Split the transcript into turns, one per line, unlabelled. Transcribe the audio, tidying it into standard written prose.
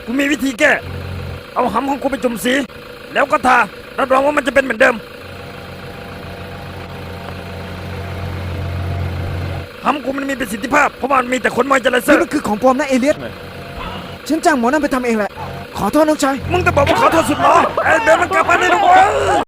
กูมีวิธีแก้ เอาหำของกูไปจุ่มสี แล้วก็ทารับรองว่ามันจะเป็นเหมือนเดิมหำกูมันมีประสิทธิภาพเพราะมันมีแต่ขนมอยเจอร์เซอ
นี่
ร์
มันคือของปลอมนะเอเลียสฉันจ้างหมอนั่นไปทำเองแหละ ขอโทษน้องชาย
มึงจะบอกว่าขอโทษสุดหรอไอ้เบนมันกลับมาได้แล้วเว้ย